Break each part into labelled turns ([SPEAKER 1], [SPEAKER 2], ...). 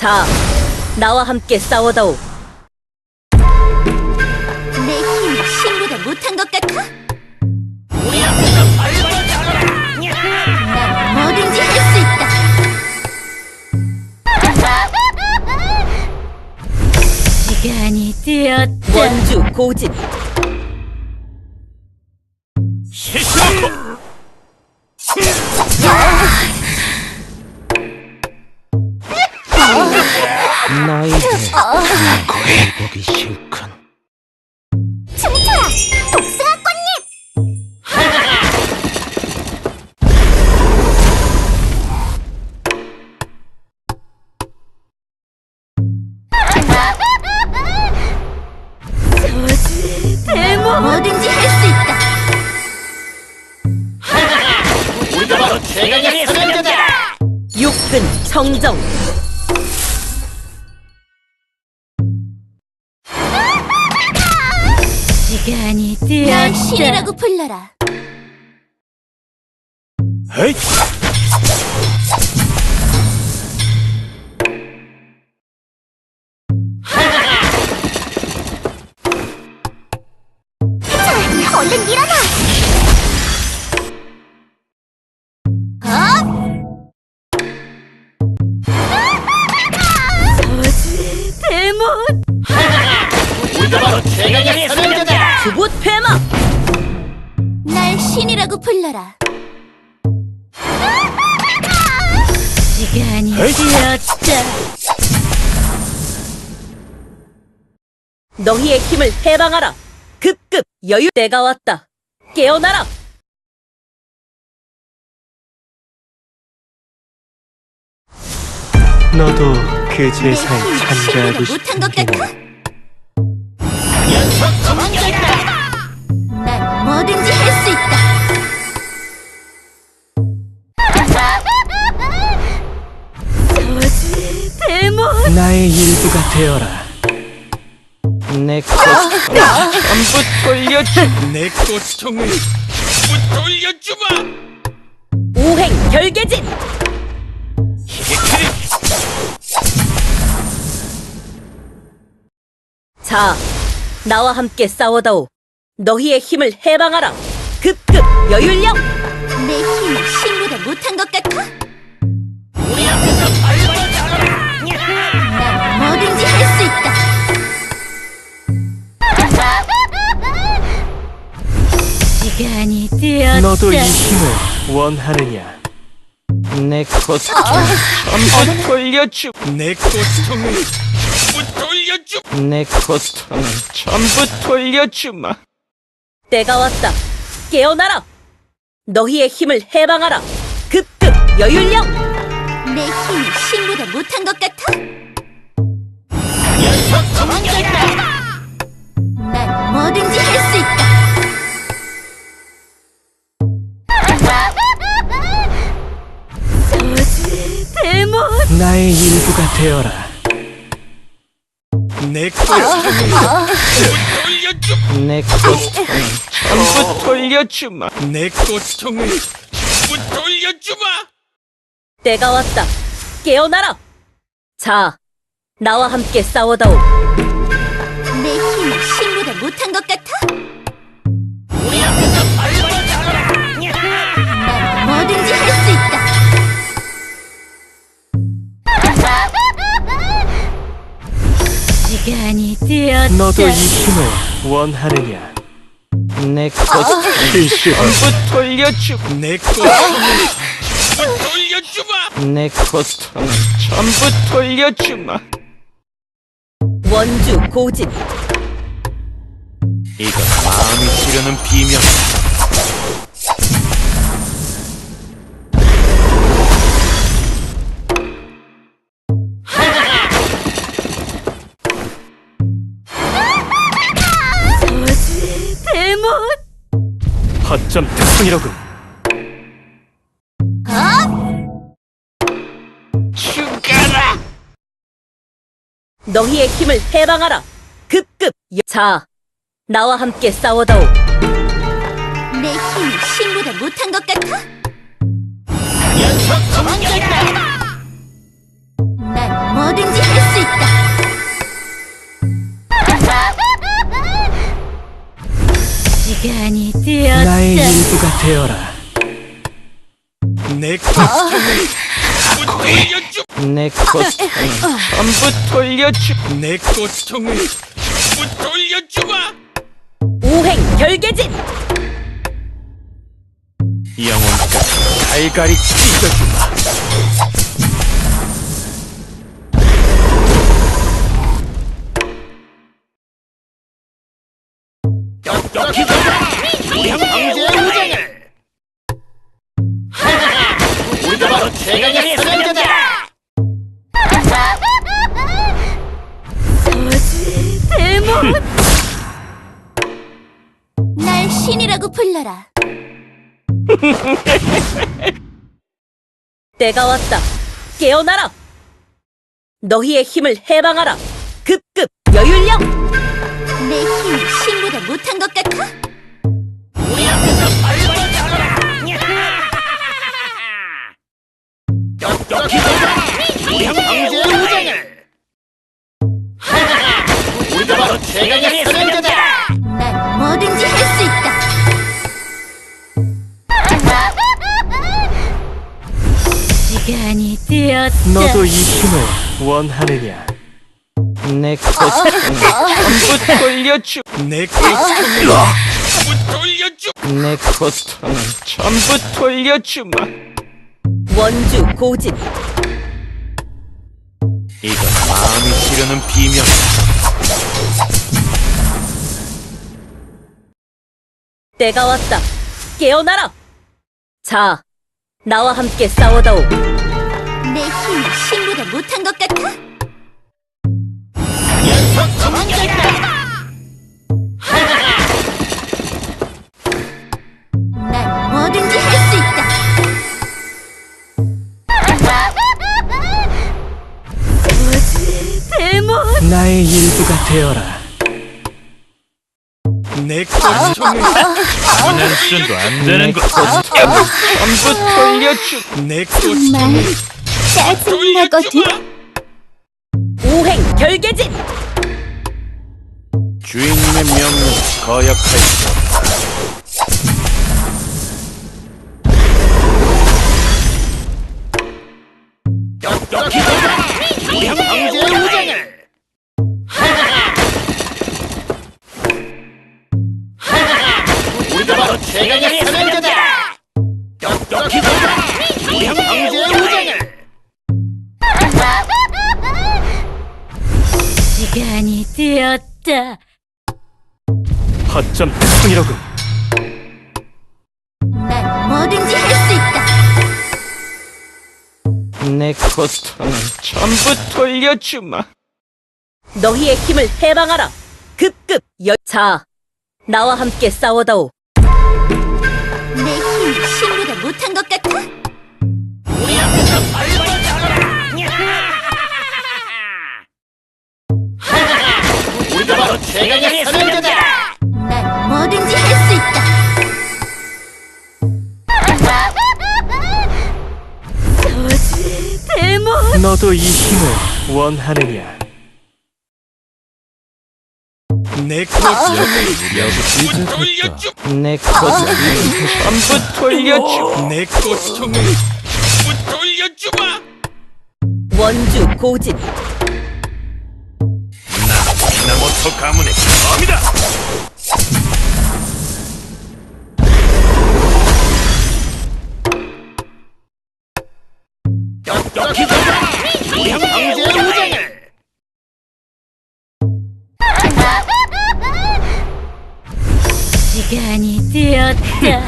[SPEAKER 1] 자, 나와 함께 싸워다오.
[SPEAKER 2] 내 힘이 신보다 못한 것 같아? 난 뭐든지 할 수 있다. 시간이 되었다.
[SPEAKER 1] 원주 고집.
[SPEAKER 3] 너희들 거의 보기 싫군.
[SPEAKER 2] 춤춰라, 복숭아 꽃잎! 저지, 대모! 뭐든지 할 수 있다.
[SPEAKER 3] 우리가 바로 최강의 선행자다.
[SPEAKER 1] 육근 청정.
[SPEAKER 2] 시간이 되었다. 날 신이라고 불러라.
[SPEAKER 3] 헤이!
[SPEAKER 2] 자, 얼른 일어나! 저지, 대모!
[SPEAKER 3] 우리가 바로 최강의 선행자다.
[SPEAKER 1] 주봇 폐마.
[SPEAKER 2] 날 신이라고 불러라. 시간이 되었다.
[SPEAKER 1] 너희의 힘을 해방하라. 급급 여유. 때가 왔다. 깨어나라.
[SPEAKER 3] 너도 그 제사에
[SPEAKER 2] 내 힘이
[SPEAKER 3] 참가하고
[SPEAKER 2] 신보다 못한 것 같아?
[SPEAKER 3] 싶은데
[SPEAKER 2] 난 뭐든지 할 수 있다. 저지, 대모!
[SPEAKER 3] 나의 일부가 되어라. 내 고통을 전부 돌려주. 내 고통을 전부 돌려주마.
[SPEAKER 1] 오행 결계진. 자, 나와 함께 싸워다오. 너희의 힘을 해방하라. 급급 여율령.
[SPEAKER 2] 내 힘이 신보다 못한 것 같아?
[SPEAKER 3] 우리 앞에서 발버둥 잡아라.
[SPEAKER 2] 난 뭐든지 할 수 있다. 시간이 되었다.
[SPEAKER 3] 너도 이 힘을 원하느냐? 내 고통을 전부 돌려주. 내 고통을 전부 돌려주. 내 고통을 전부 돌려주마.
[SPEAKER 1] 때가 왔다. 깨어나라. 너희의 힘을 해방하라. 급급 여율령.
[SPEAKER 2] 내 힘이 신보다 못한 것 같아? 난 뭐든지 할 수 있다. 저지, 대모!
[SPEAKER 3] 나의 일부가 되어라. 내 고통을 돌려주. 내 고통을 전부 돌려주마. 내 고통을 전부 돌려주마.
[SPEAKER 1] 때가 왔다. 깨어나라. 자, 나와 함께 싸워다오.
[SPEAKER 2] 내 힘이 신보다 못한 것 같아?
[SPEAKER 3] 우리 앞에서 발버둥 잡아라.
[SPEAKER 2] 난 뭐든지 할 수 있다. 시간이 되었다.
[SPEAKER 3] 너도 이 힘을 원하느냐? 내 고통을 전부 돌려주. 내 고통을 전부 돌려주마. 내 고통을 전부 돌려주마.
[SPEAKER 1] 원주 고집.
[SPEAKER 3] 이건 마음이 지르는 비명이다.
[SPEAKER 2] 저지, 대모!
[SPEAKER 3] 허점 특성이로군. 죽어라.
[SPEAKER 1] 너희의 힘을 해방하라. 급급 자, 나와 함께 싸워다오.
[SPEAKER 2] 내 힘이 신보다 못한 것 같아? 난 뭐든지
[SPEAKER 3] 되어라.
[SPEAKER 4] 내 고통을
[SPEAKER 3] 돌려주. 내 고통을 전부 돌려주.
[SPEAKER 4] 내 고통을 전부 돌려주마.
[SPEAKER 1] 오행 결계진!
[SPEAKER 3] 영혼까지 갈갈이 찢어주마.
[SPEAKER 4] 똑똑히 우리 황제의 우정을. 우리가 바로 최강의 사냥자다.
[SPEAKER 2] 대문! 날 신이라고 불러라.
[SPEAKER 1] 때가 왔다. 깨어나라! 너희의 힘을 해방하라! 급급 여율령!
[SPEAKER 2] 내 힘이 신보다 못한 것 같아?
[SPEAKER 4] 우리 앞에서 발을 잡아라. 똑똑히 우리 황제의 우정을. 우리가 바로 최강의 사냥자다.
[SPEAKER 2] 난 뭐든지 할 수 있다. 시간이 되었다.
[SPEAKER 3] 너도 이 힘을 원하느냐? 내 고통을 전부 돌려주.
[SPEAKER 4] 내 고통을 전부 돌려주.
[SPEAKER 3] 내 고통을 전부 돌려주마.
[SPEAKER 1] 원주 고진!
[SPEAKER 3] 이건 마음이 지르는 비명이다.
[SPEAKER 1] 때가 왔다. 깨어나라! 자, 나와 함께 싸워다오.
[SPEAKER 2] 내 힘이 신보다 못한 것 같아?
[SPEAKER 4] 녀석 도망쳤다.
[SPEAKER 2] 난 뭐든지 할 수 있다. 대문!
[SPEAKER 3] 나의 일부가 되어라.
[SPEAKER 4] 내 고통을
[SPEAKER 3] 하는 순도 안 되는 것. 전부 돌려주.
[SPEAKER 4] 내
[SPEAKER 2] 정말
[SPEAKER 4] 고통을
[SPEAKER 2] 짜증나거든.
[SPEAKER 1] 오행 결계진!
[SPEAKER 3] 주인님의 명령 거역할 수 없다.
[SPEAKER 4] 똑똑히 우리 황제의 우정을. 우리가 바로 최강의 사냥자다. 똑똑히 우리 황제의 우정을.
[SPEAKER 2] 시간이 되었다.
[SPEAKER 3] 허점 특성이로군.
[SPEAKER 2] 난 뭐든지 할 수 있다.
[SPEAKER 3] 내 고통을 전부 돌려주마.
[SPEAKER 1] 너희의 힘을 해방하라! 급급 자, 나와 함께 싸워다오.
[SPEAKER 2] 내 힘이 신보다 못한 것 같아?
[SPEAKER 4] 우리 앞에서 발을 잡아라. 우리가 바로 최강의 사냥자다.
[SPEAKER 2] 난 뭐든지 할 수 있다. 대문!
[SPEAKER 3] 너도 이 힘을 원하느냐?
[SPEAKER 4] 내 고통을 전부 돌려주.
[SPEAKER 3] 내 고통을 전부 돌려주.
[SPEAKER 4] 내 고통을 전부 돌려주마.
[SPEAKER 1] 원주 고진!
[SPEAKER 4] 미나모토 가문의 검이다. 똑똑히 우리 황제의 우정을.
[SPEAKER 2] 시간이 되었다.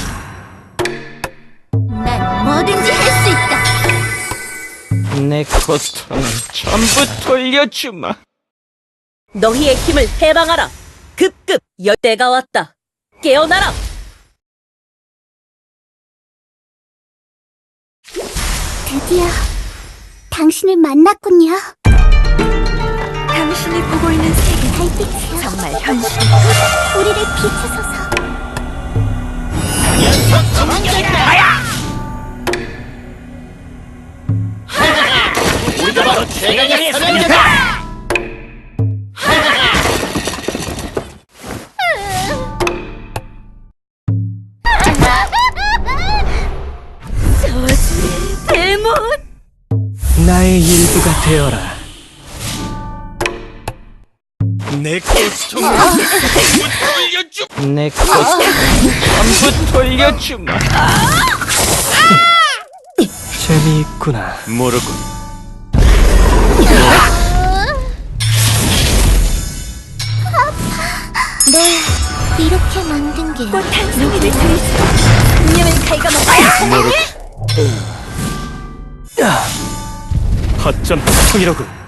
[SPEAKER 2] 난 뭐든지 할 수 있다.
[SPEAKER 3] 내 고통을 전부 돌려주마.
[SPEAKER 1] 너희의 힘을 해방하라! 급급 때가 왔다. 깨어나라!
[SPEAKER 2] 드디어 당신을 만났군요. 당신이 보고 있는 세계 달빛이요. 정말 현실. 우리를 비추소서.
[SPEAKER 4] 녀석 도망쳤다. 우리가 바로 최강의 사냥자다.
[SPEAKER 3] 나의 일부가 되어라.
[SPEAKER 4] 내 고통을 전부 돌려주마.
[SPEAKER 3] 내 고통을 전부 돌려주마. 재미있구나.
[SPEAKER 4] 모르군.
[SPEAKER 2] 널 이렇게 만든 게
[SPEAKER 1] 꽃한 송이를 들이지. 운명을 갉아먹어.
[SPEAKER 3] 허점 통이로군.